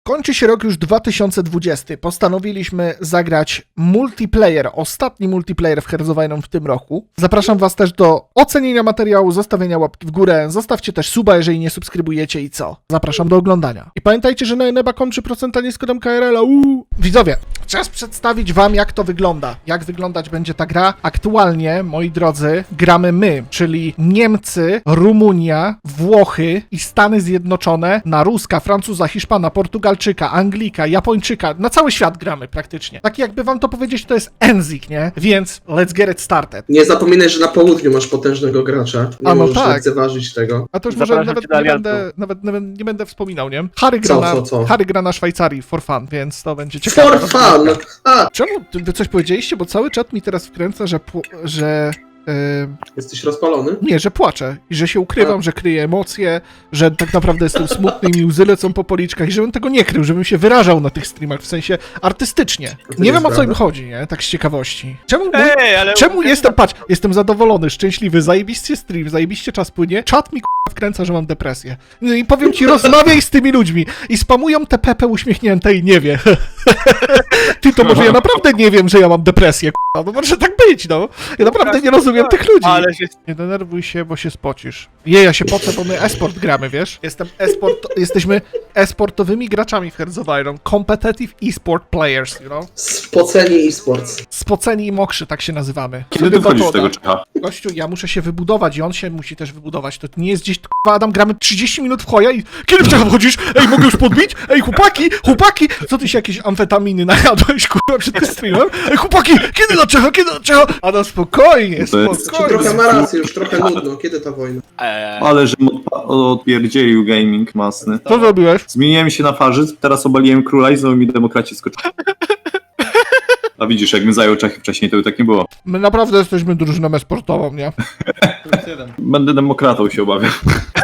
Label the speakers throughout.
Speaker 1: Kończy się rok już 2020. Postanowiliśmy zagrać multiplayer, ostatni multiplayer w Hearts of Iron w tym roku. Zapraszam was też do ocenienia materiału, zostawienia łapki w górę. Zostawcie też suba, jeżeli nie subskrybujecie i co. Zapraszam do oglądania. I pamiętajcie, że na Eneba.com 3% nie z kodem KRL-a. Widzowie, czas przedstawić wam, jak to wygląda. Jak wyglądać będzie ta gra. Aktualnie, moi drodzy, gramy my, czyli Niemcy, Rumunia, Włochy i Stany Zjednoczone na Ruska, Francuza, Hiszpana, Portugalczyka, Anglika, Japończyka. Na cały świat gramy praktycznie. Tak jakby wam to powiedzieć, to jest Enzik, nie? Więc let's get it started.
Speaker 2: Nie zapominaj, że na południu masz potężnego gracza. Nie
Speaker 1: A no
Speaker 2: możesz
Speaker 1: tak.
Speaker 2: lekceważyć tego.
Speaker 1: A to już może nawet nie będę wspominał, nie? Harry gra na Szwajcarii for fun, więc to będzie ciekawe.
Speaker 2: For fun! A!
Speaker 1: Czemu wy coś powiedzieliście? Bo cały czat mi teraz wkręca, że
Speaker 2: Jesteś rozpalony?
Speaker 1: nie, że płaczę i że się ukrywam, że kryję emocje, że tak naprawdę jestem smutny i mi łzy lecą po policzkach i żebym tego nie krył, żebym się wyrażał na tych streamach, w sensie artystycznie. Nie wiem, o co im chodzi, nie? Tak z ciekawości. Czemu jestem, patrz, jestem zadowolony, szczęśliwy, zajebiście stream, zajebiście czas płynie, czat mi wkręca, że mam depresję. No i powiem ci, rozmawiaj z tymi ludźmi i spamują te Pepe uśmiechnięte i nie wie. Ty, to może ja naprawdę nie wiem, że ja mam depresję, no może tak być, no. Ja naprawdę nie rozumiem tych ludzi.
Speaker 3: Ale się...
Speaker 1: Nie denerwuj się, bo się spocisz. Ja się pocę, bo my e-sport gramy, wiesz? Jesteśmy e-sportowymi graczami w Hearts of Iron. Competitive e-sport players, you know?
Speaker 2: Spoceni e-sports.
Speaker 1: Spoceni i mokrzy, tak się nazywamy.
Speaker 4: Kiedy ty wchodzisz w tego Czecha?
Speaker 1: Gościu, ja muszę się wybudować i on się musi też wybudować. To nie jest gdzieś, Adam, gramy 30 minut w choja i kiedy w Czecha wchodzisz? Ej, mogę już podbić? Ej, chłopaki! Co ty się jakieś amfetaminy najadłeś, kurwa, przed tym streamem? Ej, chłopaki, kiedy na Czecha? Adam, spokojnie.
Speaker 2: Trochę ma rację, już trochę nudno. Kiedy ta wojna?
Speaker 4: Ale że odpierdzielił gaming masny.
Speaker 1: Co zrobiłeś?
Speaker 4: Zmieniłem się na farzyc, teraz obaliłem króla i znowu mi demokraci skoczyli. A widzisz, jakbym zajął Czechy wcześniej, to by tak nie było.
Speaker 1: My naprawdę jesteśmy drużyną e-sportową, nie?
Speaker 4: Będę demokratą, się obawiam.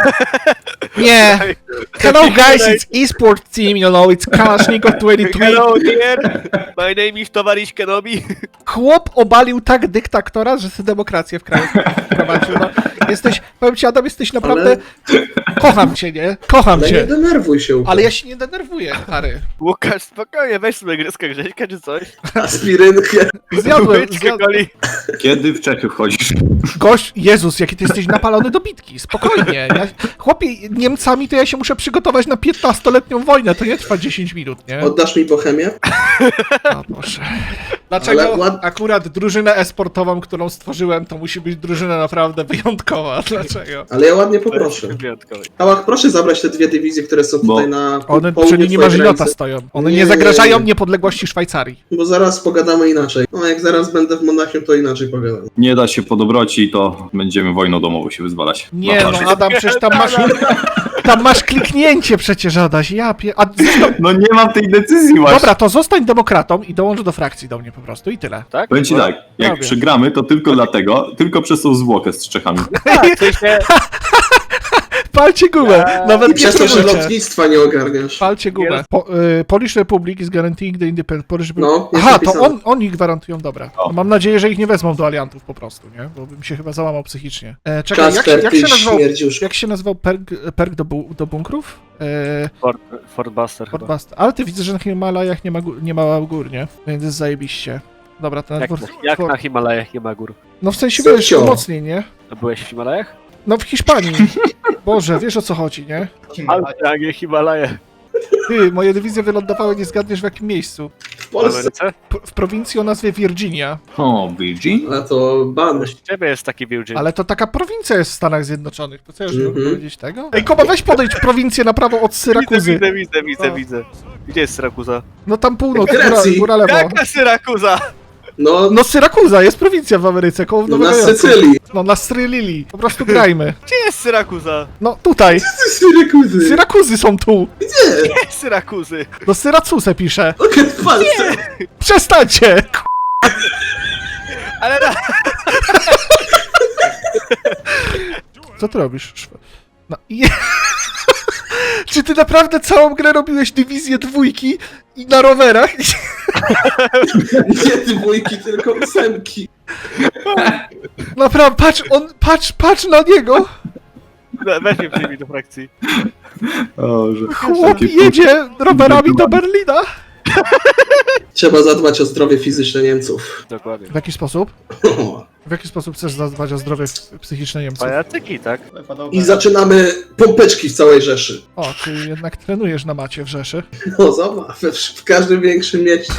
Speaker 1: Nie. Hello guys, it's e-sport team, you know, it's Kalashnikov 23.
Speaker 3: Hello dear, my name is Towaryś Kenobi.
Speaker 1: Chłop obalił tak dyktatora, że sobie demokrację w kraju wprowadził. No, powiem ci, Adam, jesteś naprawdę... Kocham cię, nie? Kocham
Speaker 2: Ale
Speaker 1: cię.
Speaker 2: nie denerwuj się.
Speaker 1: Ale ja się nie denerwuję, Harry.
Speaker 3: Łukasz, spokojnie, weź sobie gryzkę Grześka czy coś.
Speaker 2: Aspirynkę.
Speaker 1: Zjadłem.
Speaker 3: Coli.
Speaker 4: Kiedy w Czechy wchodzisz?
Speaker 1: Gość, Jezus, jaki ty jesteś napalony do bitki, spokojnie. Chłopie, Niemcami to ja się muszę przygotować na 15-letnią wojnę, to nie trwa 10 minut, nie?
Speaker 2: Oddasz mi Bohemię?
Speaker 1: O Boże. Dlaczego
Speaker 2: Ale
Speaker 1: akurat drużynę e-sportową, którą stworzyłem, to musi być drużyna naprawdę wyjątkowa? Dlaczego?
Speaker 2: Ale ja ładnie poproszę.
Speaker 3: Wyjątkowy.
Speaker 2: Ałach, proszę zabrać te dwie dywizje, które są tutaj na
Speaker 1: One
Speaker 2: południu
Speaker 1: przy linii
Speaker 2: twojej
Speaker 1: Marzynota
Speaker 2: granicy.
Speaker 1: stoją. One
Speaker 2: Nie,
Speaker 1: nie zagrażają
Speaker 2: nie.
Speaker 1: niepodległości Szwajcarii.
Speaker 2: Bo zaraz pogadamy inaczej. No jak zaraz będę w Monachium, to inaczej pogadam.
Speaker 4: Nie da się po dobroci, to będziemy wojną domową się wyzwalać.
Speaker 1: Nie
Speaker 4: Na
Speaker 1: no,
Speaker 4: farzyc.
Speaker 1: Adam, przecież tam masz kliknięcie przecież, Adaś.
Speaker 4: No nie mam tej decyzji właśnie.
Speaker 1: Dobra, to zostań demokratą i dołącz do frakcji do mnie po prostu i tyle.
Speaker 3: Tak?
Speaker 4: Powiem ci tak, jak
Speaker 1: Robię.
Speaker 4: przegramy, to tylko dlatego, tylko przez tą zwłokę z Czechami.
Speaker 3: Tak, w sensie,
Speaker 1: Palcie gumę, nawet
Speaker 2: I
Speaker 1: nie
Speaker 2: przez to, że
Speaker 1: próbujcie.
Speaker 2: lotnictwa nie ogarniasz.
Speaker 1: Palcie gumę. Polish Republic is guaranteeing the independence. Polish Republic.
Speaker 2: No, jest
Speaker 1: Aha, to
Speaker 2: napisane.
Speaker 1: oni gwarantują, dobra.
Speaker 4: O.
Speaker 1: Mam nadzieję, że ich nie wezmą do aliantów po prostu, nie? Bo bym się chyba załamał psychicznie. Czekaj,
Speaker 2: Kasper,
Speaker 1: jak
Speaker 2: ty
Speaker 1: się nazywał,
Speaker 2: śmierdziusz.
Speaker 1: jak się nazywał perk do bunkrów?
Speaker 3: Fort Buster chyba.
Speaker 1: Fort Ale ty widzę, że na Himalajach nie ma gór, nie? Więc jest zajebiście. Dobra, ten
Speaker 3: Jak na Himalajach nie ma gór?
Speaker 1: No w sensie,
Speaker 2: Co
Speaker 1: wiesz,
Speaker 2: wziął?
Speaker 1: mocniej, nie?
Speaker 3: A byłeś w Himalajach?
Speaker 1: No w Hiszpanii. Boże, wiesz o co chodzi, nie?
Speaker 3: Ale nie Himalaje.
Speaker 1: Ty, moje dywizje wylądowały, nie zgadniesz w jakim miejscu.
Speaker 2: W
Speaker 3: W
Speaker 2: Polsce.
Speaker 3: Ameryce?
Speaker 1: W prowincji o nazwie Virginia.
Speaker 4: O, Virgin?
Speaker 2: A to ban.
Speaker 3: U ciebie jest taki Virgin.
Speaker 1: Ale to taka prowincja jest w Stanach Zjednoczonych. To co ja już nie mogę
Speaker 2: Mhm.
Speaker 1: powiedzieć tego? Ej, Koba, weź podejdź prowincję na prawo od Syrakuzy.
Speaker 3: Widzę. Gdzie jest Syrakuza?
Speaker 1: No tam północ,
Speaker 2: Grecji.
Speaker 1: góra lewo.
Speaker 3: Jaka Syrakuza?
Speaker 2: No,
Speaker 1: No Syrakuza, jest prowincja w Ameryce, koło
Speaker 2: no
Speaker 1: Nowego
Speaker 2: na
Speaker 1: Jorku.
Speaker 2: Sycylii.
Speaker 1: No na Srylili. Po prostu grajmy.
Speaker 3: Gdzie jest Syrakuza?
Speaker 1: No tutaj.
Speaker 2: Syrakuzy.
Speaker 1: Syrakuzy są tu.
Speaker 2: Gdzie?
Speaker 3: Gdzie jest Syrakuzy?
Speaker 1: No Syracuse pisze.
Speaker 2: Okej, w Polsce.
Speaker 1: Przestańcie!
Speaker 3: Ale
Speaker 1: Co ty robisz? No i... Czy ty naprawdę całą grę robiłeś dywizję dwójki i na rowerach?
Speaker 2: Nie dwójki, tylko ósemki.
Speaker 1: Naprawdę, patrz na niego!
Speaker 3: Weź mnie przyjmij do frakcji.
Speaker 4: O, że...
Speaker 1: Chłop
Speaker 4: takie-
Speaker 1: jedzie rowerami do Berlina.
Speaker 2: Trzeba zadbać o zdrowie fizyczne Niemców.
Speaker 3: Dokładnie.
Speaker 1: W jaki sposób? W jaki sposób chcesz zadbać o zdrowie psychiczne Niemców?
Speaker 3: Pajacyki, tak?
Speaker 2: I zaczynamy pompeczki w całej Rzeszy.
Speaker 1: O, czyli jednak trenujesz na macie w Rzeszy.
Speaker 2: No zobacz, w każdym większym mieście.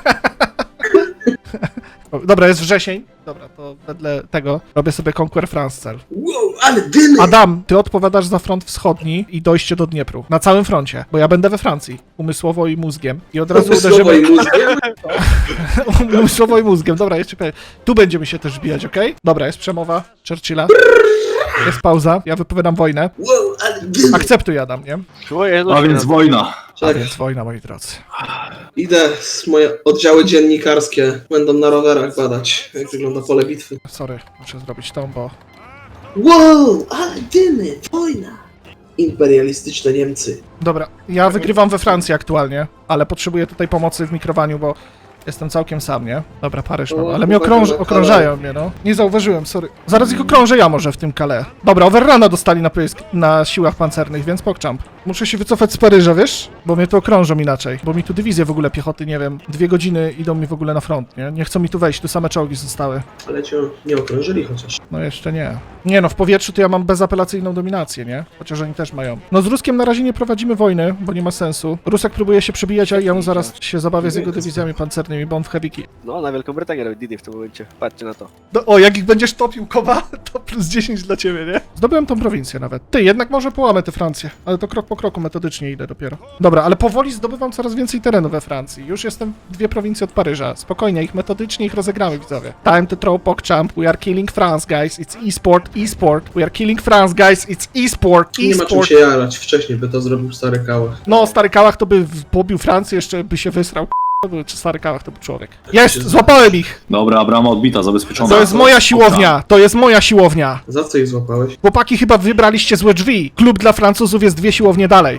Speaker 1: O, dobra, jest wrzesień. Dobra, to wedle tego robię sobie Conquer France cel.
Speaker 2: Wow, ale dymy!
Speaker 1: Adam, ty odpowiadasz za front wschodni i dojście do Dniepru. Na całym froncie, bo ja będę we Francji. Umysłowo i mózgiem. I od razu
Speaker 2: Słowo i
Speaker 1: uderzymy...
Speaker 2: mózgiem.
Speaker 1: Umysłowo i mózgiem. Dobra, jeszcze powiem. Tu będziemy się też bijać, okej? Dobra, jest przemowa Churchilla. Jest pauza, ja wypowiadam wojnę.
Speaker 2: Wow, ale dymy!
Speaker 1: Akceptuj, Adam, nie?
Speaker 4: A więc wojna.
Speaker 1: A
Speaker 2: Tak,
Speaker 1: więc wojna, moi drodzy.
Speaker 2: idę, moje oddziały dziennikarskie będą na rowerach badać, jak wygląda pole bitwy.
Speaker 1: Sorry, muszę zrobić tą, bo...
Speaker 2: Wow, ale dymy! Wojna! Imperialistyczne Niemcy.
Speaker 1: Dobra, ja wygrywam we Francji aktualnie, ale potrzebuję tutaj pomocy w mikrowaniu, bo jestem całkiem sam, nie? Dobra, Paryż mam,
Speaker 2: O,
Speaker 1: ale mnie
Speaker 2: chłopaki,
Speaker 1: okrążają mnie, no. Nie zauważyłem, sorry. Zaraz ich okrążę ja może w tym Calais. Dobra, overruna dostali na siłach pancernych, więc pokczamp. Muszę się wycofać z Paryża, wiesz? Bo mnie tu okrążą inaczej. Bo mi tu dywizje w ogóle piechoty, nie wiem, 2 godziny idą mi w ogóle na front, nie? Nie chcą mi tu wejść, tu same czołgi zostały.
Speaker 2: Ale cię nie okrążyli chociaż.
Speaker 1: No jeszcze nie. Nie no, w powietrzu to ja mam bezapelacyjną dominację, nie? Chociaż oni też mają. No z Ruskiem na razie nie prowadzimy wojny, bo nie ma sensu. Rusek próbuje się przebijać, a ja mu zaraz się zabawię z jego dywizjami pancernymi, bo on w heavy.
Speaker 3: No, na Wielką Brytanię robi Didi w tym momencie. Patrzcie na to.
Speaker 1: No, o, jak ich będziesz topił, Koba, to plus 10 dla ciebie, nie? Zdobyłem tą prowincję nawet. Ty, jednak może połamę tę Francję, ale to krok po kroku, metodycznie idę dopiero. Dobra, ale powoli zdobywam coraz więcej terenu we Francji. Już jestem 2 prowincje od Paryża. Spokojnie, ich metodycznie ich rozegramy, widzowie. Time to throw PogChamp. We are killing France, guys. It's e-sport, e-sport. We are killing France, guys. It's e-sport,
Speaker 2: Nie ma czym
Speaker 1: e-sport.
Speaker 2: się jarać, wcześniej by to zrobił stary Kałach.
Speaker 1: No, stary Kałach to by pobił Francję, jeszcze by się wysrał. To był stary Kałach, to był człowiek. Jest, złapałem ich!
Speaker 4: Dobra, Abrama odbita, zabezpieczona.
Speaker 1: To jest moja siłownia, to jest moja siłownia.
Speaker 2: Za co ich złapałeś?
Speaker 1: Chłopaki, chyba wybraliście złe drzwi. Klub dla Francuzów jest 2 siłownie dalej.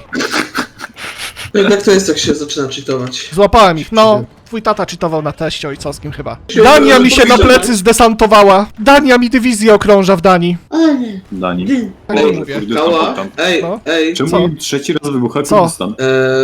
Speaker 2: No jednak to jest, jak się zaczyna cheatować.
Speaker 1: Złapałem ich, no. Twój tata czytował na teście ojcowskim chyba.
Speaker 2: Się
Speaker 1: Dania mi się na
Speaker 2: podejrzewam.
Speaker 1: plecy zdesantowała. Dania mi dywizję okrąża w Danii.
Speaker 4: Dani.
Speaker 1: Tak
Speaker 2: Ej,
Speaker 1: nie mówię.
Speaker 2: Kała, ej,
Speaker 1: No.
Speaker 2: ej.
Speaker 4: Czemu
Speaker 1: Co?
Speaker 4: im trzeci raz wybucha
Speaker 1: Co?
Speaker 4: Kurdystan?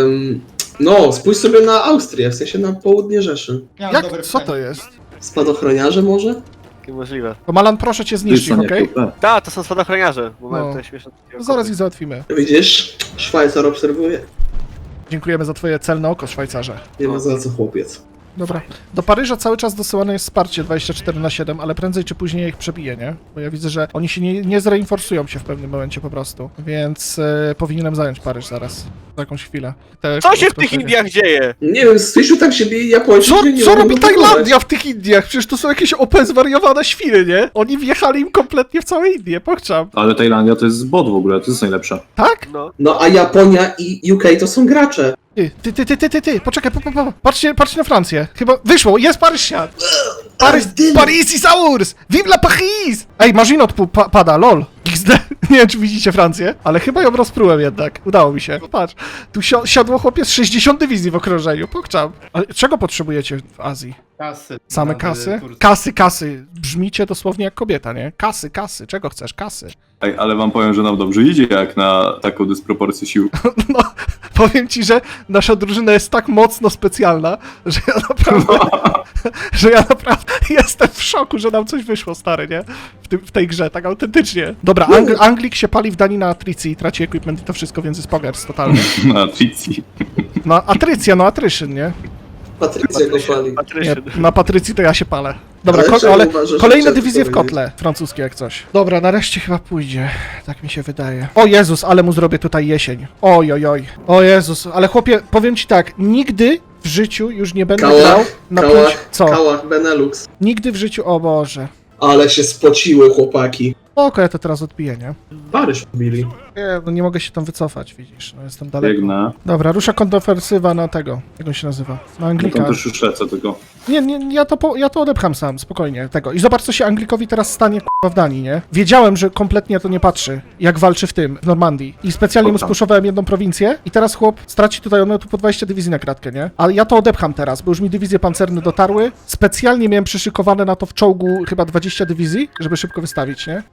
Speaker 2: No, spójrz sobie na Austrię, w sensie na południe Rzeszy.
Speaker 1: Jak? Co to jest?
Speaker 2: Spadochroniarze może?
Speaker 3: Takie możliwe.
Speaker 1: To Malan, proszę cię zniszczyć,
Speaker 4: Kurdystan
Speaker 1: okej?
Speaker 4: jako te.
Speaker 3: Tak, to są spadochroniarze, bo mają
Speaker 1: No.
Speaker 3: te śmieszne...
Speaker 1: Zaraz ich załatwimy.
Speaker 2: Widzisz? Szwajcar obserwuje.
Speaker 1: Dziękujemy za twoje celne oko, Szwajcarze.
Speaker 2: Nie ma za co, chłopiec.
Speaker 1: Dobra. Do Paryża cały czas dosyłane jest wsparcie 24/7, ale prędzej czy później ich przebiję, nie? Bo ja widzę, że oni się nie zreinforsują się w pewnym momencie po prostu. Więc powinienem zająć Paryż zaraz. Za jakąś chwilę.
Speaker 3: Co się w tych Indiach dzieje?
Speaker 2: Nie wiem, Stasiu tam się bije Japończycy. nie
Speaker 1: Co
Speaker 2: mogą
Speaker 1: robi
Speaker 2: blokować.
Speaker 1: Tajlandia w tych Indiach? Przecież to są jakieś OP zwariowane świry, nie? Oni wjechali im kompletnie w całe Indie, pokczam.
Speaker 4: Ale Tajlandia to jest bot w ogóle, to jest najlepsze.
Speaker 1: Tak?
Speaker 3: No.
Speaker 2: No a Japonia i UK to są gracze.
Speaker 1: Ty, poczekaj, patrzcie na Francję. Chyba wyszło, jest Paryż siadł. Paris is ours! Vive la Paris! Ej, Maginot pada, lol. XD. Nie wiem, czy widzicie Francję, ale chyba ją rozprułem jednak. Udało mi się. Patrz, tu siadło chłopie z 60 dywizji w okrążeniu, pokczam. Ale czego potrzebujecie w Azji?
Speaker 5: Kasy.
Speaker 1: Same kasy? Kasy. Brzmicie dosłownie jak kobieta, nie? Kasy. Czego chcesz? Kasy.
Speaker 4: Ej, ale wam powiem, że nam dobrze idzie jak na taką dysproporcję sił.
Speaker 1: No, powiem ci, że nasza drużyna jest tak mocno specjalna, że ja naprawdę jestem w szoku, że nam coś wyszło, stary, nie? W tej grze, tak autentycznie. Dobra, Anglik się pali w Danii na Atrycji, traci equipment i to wszystko, więc jest pogers totalny.
Speaker 4: Na Tricji.
Speaker 1: No, Atrycja, no Atryszyn, nie?
Speaker 2: Patrycja go pali.
Speaker 1: Nie,
Speaker 3: Patryczny.
Speaker 1: na Patrycji to ja się palę. Dobra,
Speaker 2: Ale czemu
Speaker 1: ale
Speaker 2: uważasz, że
Speaker 1: kolejne
Speaker 2: trzeba
Speaker 1: dywizje w
Speaker 2: powiedzieć?
Speaker 1: kotle, francuskie jak coś. Dobra, nareszcie chyba pójdzie, tak mi się wydaje. O Jezus, ale mu zrobię tutaj jesień. Oj. O Jezus, ale chłopie, powiem ci tak, nigdy w życiu już nie będę grał na 5... Co?
Speaker 2: Kałach, Benelux.
Speaker 1: Nigdy w życiu, o Boże.
Speaker 2: Ale się spociły chłopaki.
Speaker 1: Oko, ja to teraz odbiję, nie?
Speaker 2: Paryż pobili.
Speaker 1: Nie, no nie mogę się tam wycofać, widzisz, no jestem daleko.
Speaker 4: Biegnę.
Speaker 1: Dobra, rusza kontrofersywa na tego, jak on się nazywa? Na
Speaker 4: Ja
Speaker 1: Anglika.
Speaker 4: tam też już lecę tylko.
Speaker 1: Nie, ja to odepcham sam, spokojnie, tego. I zobacz, co się Anglikowi teraz stanie, k***a, w Danii, nie? Wiedziałem, że kompletnie to nie patrzy, jak walczy w Normandii. I specjalnie mu
Speaker 4: Dobra.
Speaker 1: spuszowałem jedną prowincję i teraz chłop straci tutaj, on miał tu po 20 dywizji na kratkę, nie? Ale ja to odepcham teraz, bo już mi dywizje pancerne dotarły. Specjalnie miałem przyszykowane na to w czołgu chyba 20 dywizji, żeby szybko wystawić, nie?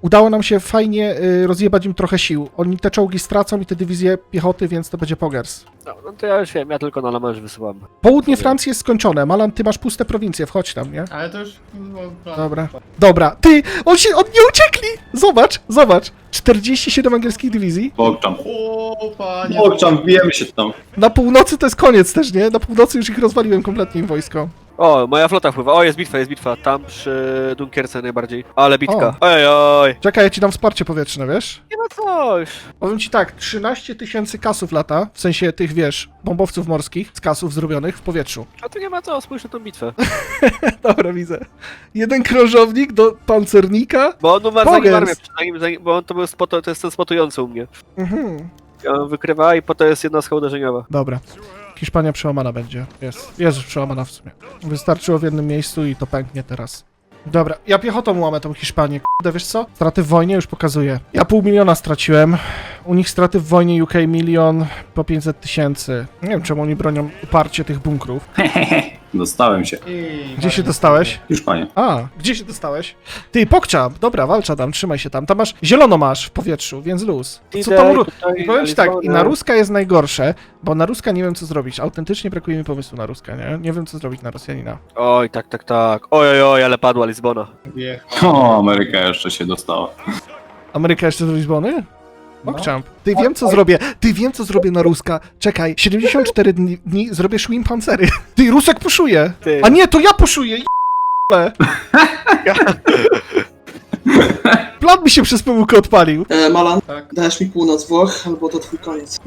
Speaker 1: udało nam się fajnie rozjebać im trochę sił. Oni te czołgi stracą i te dywizje piechoty, więc to będzie pogers.
Speaker 3: No to ja już wiem, ja tylko na La Manche wysyłam.
Speaker 1: Południe Francji jest skończone. Malan, ty masz puste prowincje, wchodź tam, nie?
Speaker 5: Ale to już...
Speaker 1: Dobra. Dobra, ty! Oni nie uciekli! Zobacz! 47 angielskich dywizji.
Speaker 4: Pogczam.
Speaker 5: O, panie...
Speaker 4: Pogczam, wbijemy się tam.
Speaker 1: Na północy to jest koniec też, nie? Na północy już ich rozwaliłem kompletnie im wojsko.
Speaker 3: O, moja flota wpływa. O, jest bitwa. Tam przy Dunkierce najbardziej. Ale bitka. Oj.
Speaker 1: Czekaj, ja ci dam wsparcie powietrzne, wiesz?
Speaker 3: Nie ma coś.
Speaker 1: Powiem ci tak, 13 000 kasów lata, w sensie tych, wiesz, bombowców morskich, z kasów zrobionych w powietrzu.
Speaker 3: A tu nie ma co, spójrz na tą bitwę.
Speaker 1: Dobra, widzę. Jeden krążownik do pancernika.
Speaker 3: Bo on numer
Speaker 1: Pogers.
Speaker 3: zanim armię, przynajmniej, bo on to był to jest ten spotujący u mnie.
Speaker 1: Mhm.
Speaker 3: On wykrywa i potem jest jedna uderzeniowa.
Speaker 1: Dobra. Hiszpania przełamana będzie. Jest już przełamana w sumie. Wystarczyło w jednym miejscu i to pęknie teraz. Dobra, ja piechotą łamę tą Hiszpanię. Kurde, wiesz co? Straty w wojnie już pokazuję. Ja 500 000 straciłem. U nich straty w wojnie UK 1 000 000 po 500 000. Nie wiem, czemu oni bronią uparcie tych bunkrów.
Speaker 4: Dostałem się.
Speaker 1: Gdzie się dostałeś?
Speaker 4: Już panie.
Speaker 1: A, gdzie się dostałeś? Ty, Pokczam. Dobra, walcza tam, trzymaj się tam. Tam masz, zielono masz w powietrzu, więc luz. Co tam I powiem ci tak, i na Ruska jest najgorsze, bo na Ruska nie wiem co zrobić. Autentycznie brakuje mi pomysłu na Ruska, nie? Nie wiem co zrobić na Rosjanina.
Speaker 3: Oj, tak. Oj, ale padła Lizbona.
Speaker 4: O, Ameryka jeszcze się dostała.
Speaker 1: Ameryka jeszcze z Lizbony? Pokczam. Ty wiem co zrobię na Ruska. Czekaj, 74 dni zrobię Szwim Pancery. Ty, Rusek puszuje.
Speaker 3: Ty.
Speaker 1: A nie, to ja puszuję. Plan mi się przez pomyłkę odpalił.
Speaker 2: Malan,
Speaker 5: Tak.
Speaker 2: dajesz mi północ Włoch, albo to twój koniec.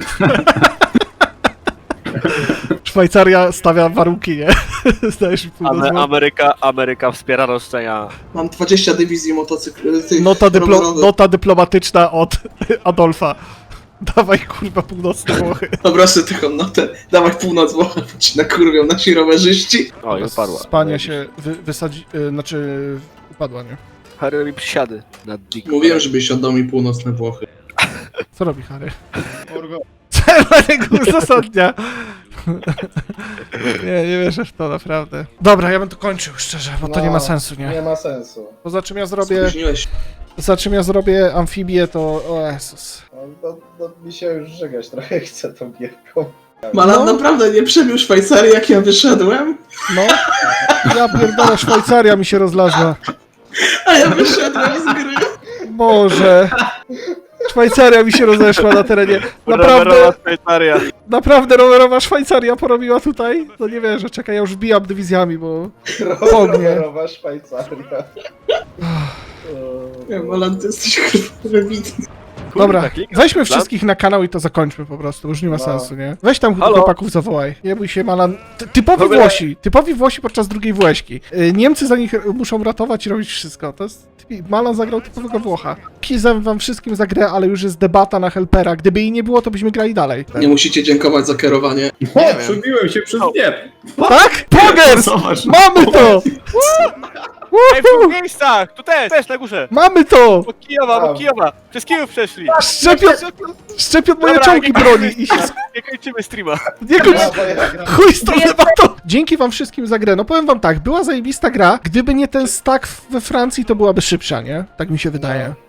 Speaker 1: Szwajcaria stawia warunki, nie? Zdajesz mi północ.
Speaker 3: Ameryka wspiera roszczenia.
Speaker 2: Mam 20 dywizji motocykl...
Speaker 1: Nota dyplomatyczna od Adolfa. Dawaj kurwa północne Włochy.
Speaker 2: Dobra, sobie taką notę. Dawaj północ Włoch, bo ci nakurwią nasi rowerzyści.
Speaker 3: Oj, upadła.
Speaker 1: Spania się wysadzi... upadła, nie?
Speaker 3: Harry robi przysiady na Dick.
Speaker 2: Mówiłem, żebyś oddał mi północne Włochy.
Speaker 1: Co robi Harry?
Speaker 5: Orgo.
Speaker 1: Czerwonego uzasadnia. Nie wierzę w to, naprawdę. Dobra, ja bym to kończył, szczerze, bo to nie ma sensu,
Speaker 5: Nie
Speaker 1: nie?
Speaker 5: ma sensu.
Speaker 1: Poza czym ja
Speaker 2: Spóźniłeś.
Speaker 1: zrobię amfibię, to... O Jezus.
Speaker 5: No, mi się już żegać trochę chce tą gierką.
Speaker 2: Malan naprawdę nie przebił Szwajcarii, jak ja wyszedłem?
Speaker 1: No. Ja pierdolę, Szwajcaria mi się rozlazła.
Speaker 2: A ja wyszedłem z gry.
Speaker 1: Boże. Szwajcaria mi się rozeszła na terenie.
Speaker 3: Rowerowa Szwajcaria.
Speaker 1: Naprawdę rowerowa Szwajcaria porobiła tutaj? No nie wierzę, czekaj, ja już wbijam dywizjami, bo... Ognie.
Speaker 5: Rowerowa Szwajcaria.
Speaker 2: Malan, ty jesteś kurwa wybitny.
Speaker 1: Dobra,
Speaker 3: Klikam.
Speaker 1: weźmy wszystkich na kanał i to zakończmy po prostu, już nie ma
Speaker 5: No.
Speaker 1: sensu, nie? Weź tam
Speaker 3: Halo?
Speaker 1: chłopaków zawołaj. Nie bój się, Malan. Typowi Włosi podczas II Włośki. Niemcy za nich muszą ratować i robić wszystko. To jest... Malan zagrał typowego Włocha. Kizem wam wszystkim za grę, ale już jest debata na helpera. Gdyby jej nie było, to byśmy grali dalej.
Speaker 2: Nie musicie dziękować za kierowanie.
Speaker 4: O, przebiłem się przez nie.
Speaker 1: Tak? Pogers!
Speaker 4: Zobacz.
Speaker 1: Mamy to!
Speaker 3: Ej, w dwóch miejscach! Tu też na górze!
Speaker 1: Mamy to!
Speaker 3: Bo Kijowa! Przez Kijów przeszli!
Speaker 1: Szczepion moje
Speaker 3: Dobra,
Speaker 1: czołgi
Speaker 3: nie-
Speaker 1: broni i się
Speaker 3: Nie kończymy streama.
Speaker 1: nie kończy...
Speaker 5: Brawo, ja gram.
Speaker 1: Chuj z tą debatą! Dzięki wam wszystkim za grę. No powiem wam tak, była zajebista gra. Gdyby nie ten stack we Francji, to byłaby szybsza, nie? Tak mi się wydaje.